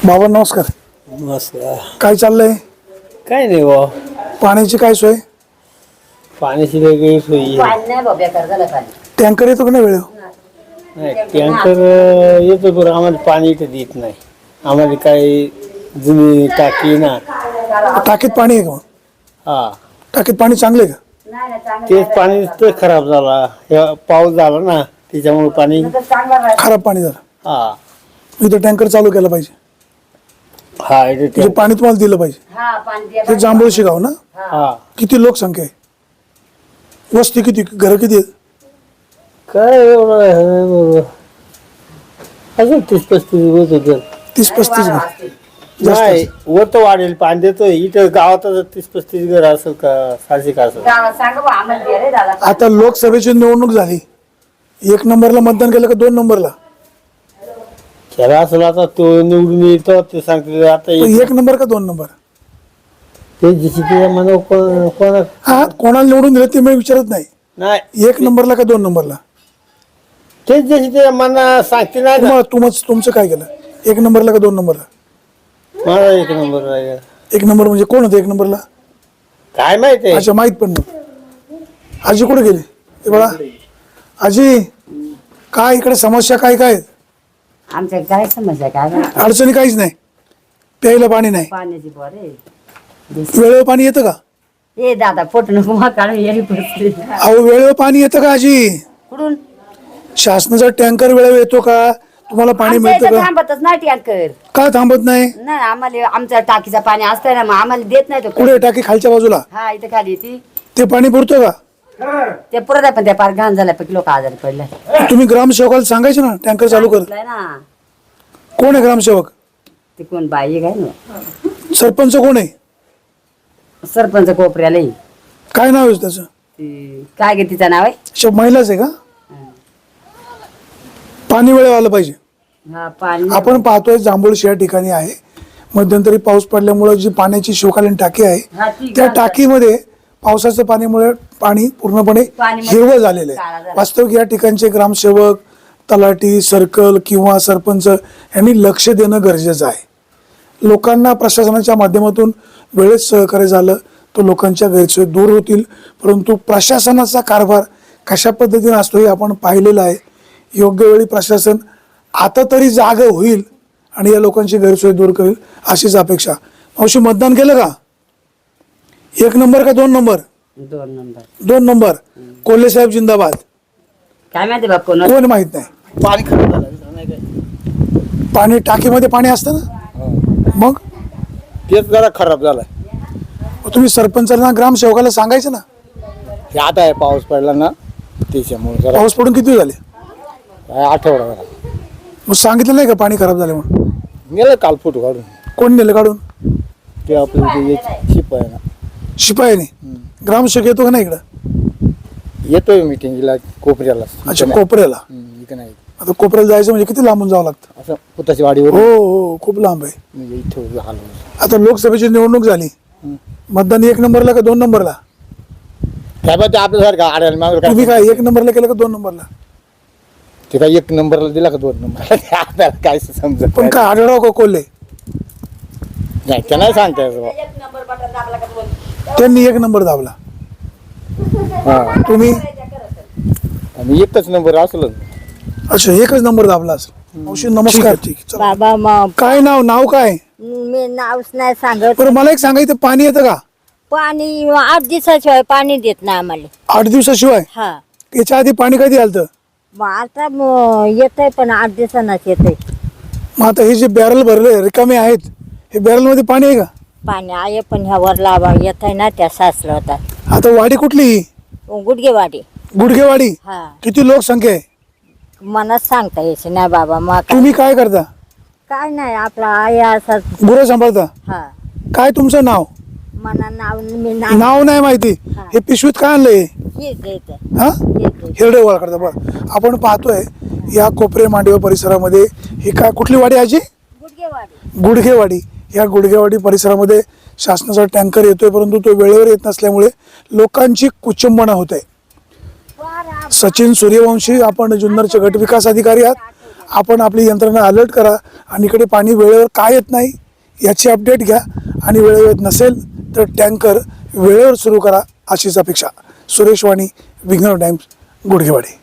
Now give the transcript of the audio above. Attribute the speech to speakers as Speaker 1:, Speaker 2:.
Speaker 1: बाबा नमस्कार.
Speaker 2: नमस्कार.
Speaker 1: काय चाललंय?
Speaker 2: काय नाही बा,
Speaker 1: पाण्याची काय सोय?
Speaker 2: पाण्याची वेगळी सोयी
Speaker 1: टँकर येतो का नाही वेळ?
Speaker 2: नाही. टँकर येतो बरं, आम्हाला पाणी इथं देत नाही. आम्हाला काही जुनी टाकी ना.
Speaker 1: टाकीत पाणी आहे का?
Speaker 2: हा,
Speaker 1: टाकीत पाणी चांगले का?
Speaker 2: तेच पाणी तर खराब झाला. पाऊस झाला ना त्याच्यामुळे पाणी
Speaker 1: खराब पाणी झालं.
Speaker 2: हा
Speaker 1: इथं टँकर चालू केला पाहिजे.
Speaker 2: हा इथे
Speaker 1: म्हणजे पाणी तुम्हाला दिलं पाहिजे. ते जांभूळशी गाव ना?
Speaker 2: हा.
Speaker 1: किती लोकसंख्या आहे? वस्ती किती? घर किती आहेत?
Speaker 2: काय एवढं आहे बरोबर, अजून 30-35 होत होतं.
Speaker 1: 30-35 घर. जास्त
Speaker 2: नाही, वर तर वाढेल, पाणी देतोय इथं गावात 30-35 घर असेल का, 600 का असेल.
Speaker 1: आता लोकसभेची निवडणूक झाली. 1 नंबरला मतदान केलं का 2 नंबरला?
Speaker 2: खेळा असेल आता तो निवडून येतो ते सांगते. आता
Speaker 1: 1 नंबर का 2 नंबर?
Speaker 2: ते जशी ते म्हणा कोणा
Speaker 1: हा, कोणाला निवडून दिलं ते मी विचारत नाही.
Speaker 2: नाही,
Speaker 1: 1 नंबरला का 2 नंबरला?
Speaker 2: तेच जशी ते मना सांगते नाही का.
Speaker 1: तुमचं काय केलं? 1 नंबरला का 2 नंबरला?
Speaker 2: मला 1 नंबर आहे.
Speaker 1: 1 नंबर म्हणजे कोण होतं 1 नंबरला?
Speaker 2: काय माहिती आहे.
Speaker 1: अच्छा, माहित पण नाही. आजी कुठे गेली? हे बघा आजी, काय इकडे समस्या काय काय आहेत?
Speaker 3: आमच्या काय समस्या काय
Speaker 1: अडचणी काहीच नाही. प्यायला पाणी नाही.
Speaker 3: पाण्याची बरे
Speaker 1: वेळेवर पाणी येतं का?
Speaker 3: ए दादा पोट नको मग काढून येरी पडते
Speaker 1: अहो, वेळेवर पाणी येतं का आजी?
Speaker 3: कुठून
Speaker 1: शासनाचा टँकर वेळेवर येतो का? तुम्हाला पाणी
Speaker 3: आमच्या
Speaker 1: मिळतं
Speaker 3: इथं
Speaker 1: का?
Speaker 3: थांबतच नाही टँकर.
Speaker 1: का थांबत नाही?
Speaker 3: नाही आम्हाला आमच्या टाकीचा पाणी असतंय ना, मग आम्हाला देत नाही तो.
Speaker 1: कुठे टाकी? खालच्या बाजूला.
Speaker 3: हा इथं खाली येते
Speaker 1: ते पाणी पुरतं का?
Speaker 3: ते पुरत आहे, पण त्या पार घाण झाल्यापैकी लोक आजारी पडले.
Speaker 1: तुम्ही ग्रामसेवकाला सांगायचं ना टँकर चालू कर.
Speaker 3: सांगितलंय ना,
Speaker 1: कोण आहे ग्रामसेवक?
Speaker 3: ते कोण बाई काय ना,
Speaker 1: सरपंच कोण आहे?
Speaker 3: सरपंच कोपऱ्याला आहे.
Speaker 1: काय नाव आहे त्याचं?
Speaker 3: ती काय गे तिचं नाव आहे?
Speaker 1: अच्छा, महिलाच आहे का? पाणी वेळेवर आलं पाहिजे.
Speaker 3: हा पाणी
Speaker 1: आपण पाहतोय जांभूळशी या ठिकाणी आहे. मध्यंतरी पाऊस पडल्यामुळे जी पाण्याची शिवकालीन टाकी आहे
Speaker 3: हा, ती
Speaker 1: त्या
Speaker 3: घाण
Speaker 1: टाकीमध्ये पावसाच्या पाण्यामुळे पाणी पूर्णपणे हिरवं झालेलं
Speaker 3: काळा
Speaker 1: आहे.
Speaker 3: झाला.
Speaker 1: वास्तविक या ठिकाणचे ग्रामसेवक, तलाठी, सर्कल किंवा सरपंच यांनी लक्ष देणं गरजेचं आहे. लोकांना प्रशासनाच्या माध्यमातून वेळेत सहकार्य झालं तर लोकांच्या गैरसोयी दूर होतील. परंतु प्रशासनाचा कारभार कशा पद्धतीने असतो हे आपण पाहिलेलं आहे. योग्य वेळी प्रशासन आता तरी जागा होईल आणि या लोकांची गैरसोय दूर करेल अशीच अपेक्षा. मावशी, मतदान केलं का? 1 नंबर का 2 नंबर?
Speaker 3: 2 नंबर.
Speaker 1: 2 नंबर. कोल्हे साहेब जिंदाबाद.
Speaker 3: काय माहिती बाप कोण
Speaker 1: कोण माहित नाही.
Speaker 2: पाणी खराब झालं नाही काय.
Speaker 1: पाणी टाकीमध्ये पाणी असतं ना, मग
Speaker 2: तेच जरा खराब झालाय.
Speaker 1: तुम्ही सरपंचाला, ग्रामसेवकाला सांगायचं ना.
Speaker 2: हे आता आहे पाऊस पडला ना त्याच्यामुळे जरा
Speaker 1: पाऊस पडून किती झाले?
Speaker 2: आठवडा झाला.
Speaker 1: मग सांगितलं नाही का पाणी खराब झाले म्हणून?
Speaker 2: गेलं काल फोटो काढून.
Speaker 1: कोण नेलं काढून?
Speaker 2: ते आपलं ते शिप आहे ना,
Speaker 1: शिपायाने. ग्रामसेवक येतो का नाही इकडं?
Speaker 2: येतोय मिटिंगला कोपऱ्याला.
Speaker 1: अच्छा, कोपऱ्याला.
Speaker 2: इथं नाही.
Speaker 1: आता कोपऱ्याला जायचं म्हणजे किती लांबून जावं लागतं?
Speaker 2: असं पुताची वाडीवर
Speaker 1: हो हो, खूप लांब आहे.
Speaker 2: म्हणजे इथं आलो.
Speaker 1: आता लोकसभेची निवडणूक झाली. मतदान 1 नंबरला का 2 नंबरला?
Speaker 2: काय ते आपल्यासारखं आडायला मागं
Speaker 1: तुम्ही
Speaker 2: काय
Speaker 1: काय 1 नंबरला केलं का 2 नंबरला?
Speaker 2: ते काय 1 नंबरला दिला का 2 नंबरला आपल्याला काय समजत
Speaker 1: पण काय आढळराव का कोल्हे
Speaker 2: नाही. ते नाही सांगता येत बा.
Speaker 1: त्यांनी 1 नंबर दाबला.
Speaker 2: हा,
Speaker 1: तुम्ही?
Speaker 2: आणि एकच नंबर असलं.
Speaker 1: अच्छा, 1च नंबर दाबला असेल. मावशी नमस्कार. ठीक आहे, चला.
Speaker 4: बाबा मग
Speaker 1: काय नाव काय?
Speaker 4: मी नावच नाही सांगत.
Speaker 1: बरं, मला एक सांगायचं, पाणी येतं का?
Speaker 4: पाणी 8 दिवसाशिवाय पाणी देत नाही आम्हाला.
Speaker 1: 8 दिवसाशिवाय?
Speaker 4: हा,
Speaker 1: याच्या आधी पाणी कधी आलं?
Speaker 4: मग आता येतंय पण 8 दिवसांनाच येतंय
Speaker 1: मग आता हे जे बॅरल भरले रिकामे आहेत, हे बॅरल मध्ये पाणी आहे का?
Speaker 4: पाणी. आहे पण ह्या वर लावा येत आहे ना, त्या साचलं होता.
Speaker 1: आता वाडी कुठली?
Speaker 4: गुडगेवाडी.
Speaker 1: गुडघेवाडी.
Speaker 4: हा,
Speaker 1: किती लोकसंख्या आहे?
Speaker 4: मनात सांगता यायचे नाही बाबा. मग
Speaker 1: तुम्ही काय करता?
Speaker 4: काय नाही, आपला आहे असा.
Speaker 1: गुरं सांभाळता?
Speaker 4: हा,
Speaker 1: काय तुमचं नाव?
Speaker 4: मना नाव मी
Speaker 1: नाव नाही माहिती.
Speaker 4: हा.
Speaker 1: हे पिशवीत काय आणलंय?
Speaker 4: हेच येतं.
Speaker 1: हा,
Speaker 4: हेच
Speaker 1: हिरडे गोळा करता. बरं, आपण पाहतोय या कोपरे मांडवे परिसरामध्ये ही काय कुठली वाडी आजी?
Speaker 4: गुडगेवाडी.
Speaker 1: गुडघेवाडी. या गुडघेवाडी परिसरामध्ये शासनाचा टँकर येतोय, परंतु तो वेळेवर येत नसल्यामुळे लोकांची कुचंबना होत आहे. सचिन सूर्यवंशी, आपण जुन्नरचे गट विकास अधिकारी आहात. आपण आपली यंत्रणा अलर्ट करा आणि इकडे पाणी वेळेवर का येत नाही याची अपडेट घ्या आणि वेळेवर येत नसेल तर टँकर वेळेवर सुरू करा अशीच अपेक्षा. सुरेश वाणी, विघ्नर टाइम्स, गुडघेवाडी.